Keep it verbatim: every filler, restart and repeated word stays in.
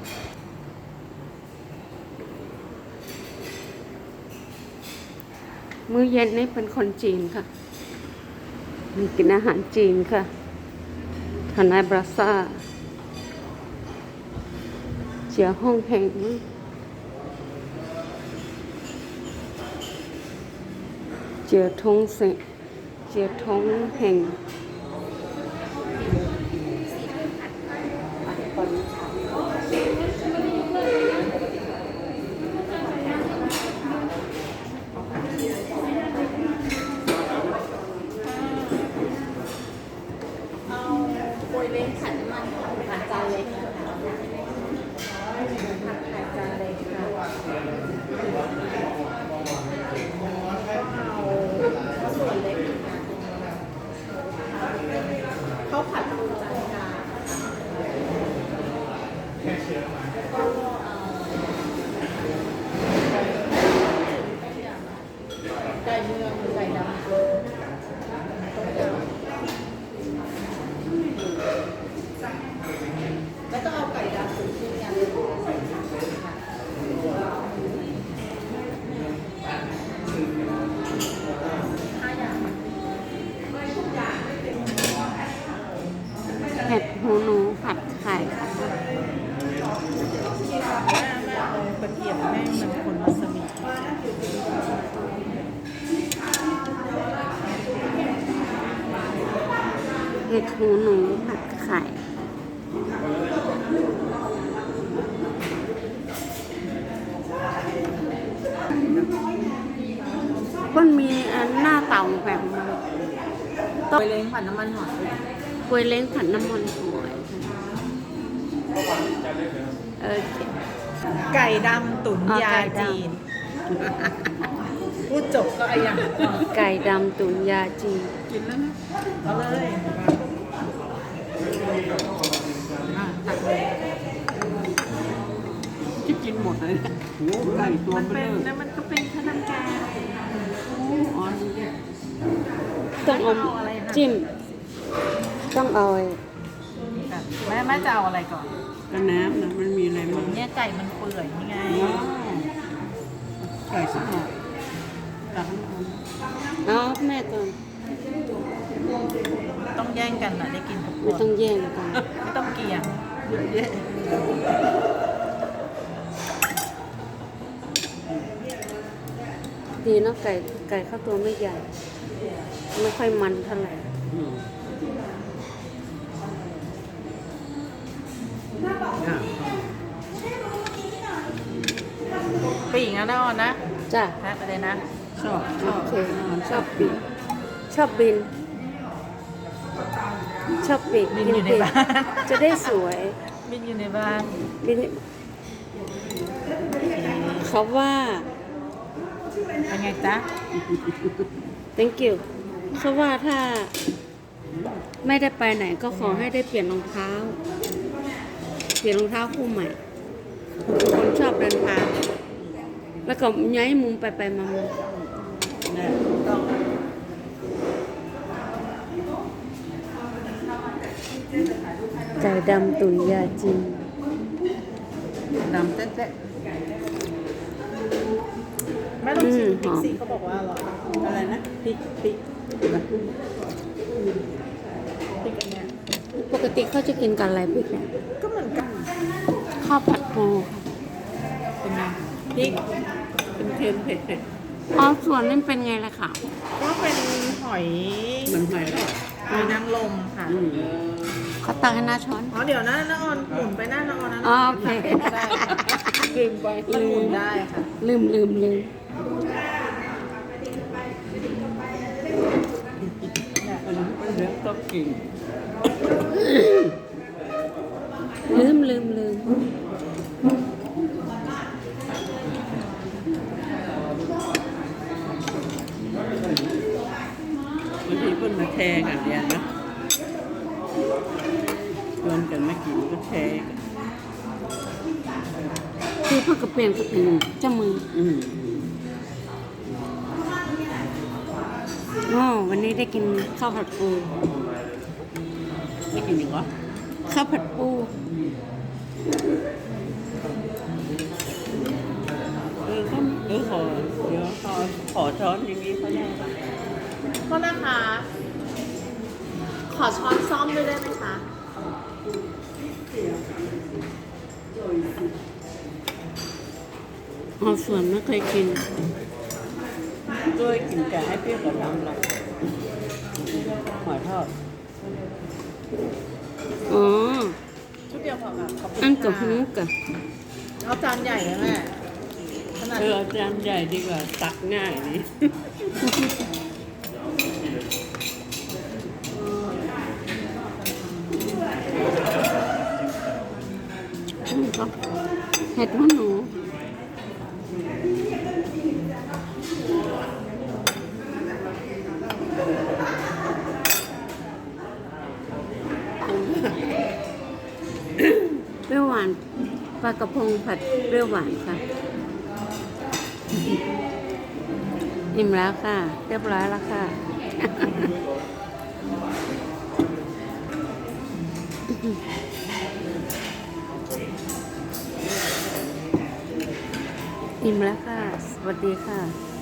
มื้อเย็นนี่เป็นคนจีนค่ะมีกินอาหารจีนค่ะทนายบราซ่าเจียห้องแห่งเจียทงเสเจียทงแห่งโปรยเล้งขันน้ำมันผัดจานเล็กนะคะผัดผัดจานเล็กค่ะเอาส่วนเล็กค่ะข้าวผัดปูจานกลางแล้วก็ไก่เมืองหรือไก่ดำแล้วก็เอาไก่ดำตุ๋นชิ้นกันห้าอย่างเห็ดหูหนูผัดไข่ค่ะแม่แม่เอากระเทียมแม่มันคนวาซาบิเห็ดหูหนูผัดไข่มันมีอันหน้าเต่าแบบมันโปรยเล้งผัดน้ำมันหอยกล้วยเล้งผัดน้ำมันหอยเออไก่ดำตุ๋นยาจีนพูดจบก็ไอ้ยังไก่ดำตุ๋นยาจีนกินแล้วนะเอาเลยอ่ะตักเลยจะกินหมดเลยโอ้ไก่ตัวมันเบเป็ลนอแล้วมันก็เป็นข้าวน้ำแกงอ๋อดูดิต้องเอาจิ้ม ต้องเอาแม่แม่จะเอาอะไรก่อนกระน้ำนะมันมีอะไรมั้งเนี่ยไก่มันเปื่อยนี่ไงว้าวไก่สักหน่อยตักน้ำมันเอาแม่ก่อนต้องแย่งกันนะได้กินทุกคไม่นต้องแย่งกันไม่ต้องเกี่ยงเยอะแยะดีเนาะไก่ไก่เข้าตัวไม่ใหญ่ ไม่ค่อยมันเท่าไหร่อืมอ่ะปีกนะน้าออนนะจ้ะแพ้ไปเลยนะชอบชโออบเคชอบปีกชอบบิน ชอบปีกบินอยู่ในปีกบ้านจะได้สวยบินอยู่ในบ้านบินเขาว่าเป็นไงจ๊ะ thank you เขาว่าถ้าไม่ได้ไปไหนก็ขอให้ได้เปลี่ยนรองเท้า เปลี่ยนรองเท้าคู่ใหม่คนชอบเดินทางแล้วก็ย้ายมุมไปไปมามาเนี่ยต้องไก่ดำตุ๋นยาจีนดำแต๊ะแม่ต้องชิมพริกสิเขาบอกว่าอร่อยๆอะไรนะพริกพริกนะพริกอันเนี้ยปกติเขาจะกินกันอะไรพริกเนี่ยก็เหมือนกันข้าวผัดปูค่ะเป็นไงพริกเป็นเค็มเผ็ดเผ็ดอ๋อส่วนนี้เป็นไงล่ะค่ะก็เป็นหอยเหมือนหอยทอดหอยนางรมค่ะอืมเขาตักให้หน้าช้อนอ๋อเดี๋ยวนะน้าออนหมุนไปหน้าน้าออนนะอ๋อโอเคได้ค่ะลืมไปมันหมุนได้ค่ะลืมลืมลืมเนี่ยอันนี้เป็นเรื่องต้องกินลืมลืมลืมบางทีเพิ่นมาแชร์กันเนี่ยนะชวนกันมากินก็แชร์กันคือเพื่อกระเปลี่ยนกระเป็นเจ้ามืออืมอ๋อวันนี้ได้กินข้าวผัดปูไม่กินอีกเหรอข้าวผัดปูขอช้อนอย่างนี้เขาได้ก็นะคะ ขอช้อนซ่อมด้วยได้ไหมคะอ๋อส่วนไม่เคยกินด้วยกินแต่ให้เปรี้ยวกับน้ำหรอกหอยทอดอ๋อชุดเดียวพอค่ะขอบคุณอันกับค่ะฮูกอะเอาจานใหญ่นะแม่ขนาดเอออาจารย์ใหญ่ดีกว่าตักง่ายนี่อืมก็เห็ดหูหนูเปรี้ยวหวานปลากระพงผัดเปรี้ยวหวานค่ะ อิ่มแล้วค่ะ เรียบร้อยแล้วค่ะ อิ่มแล้วค่ะ สวัสดีค่ะ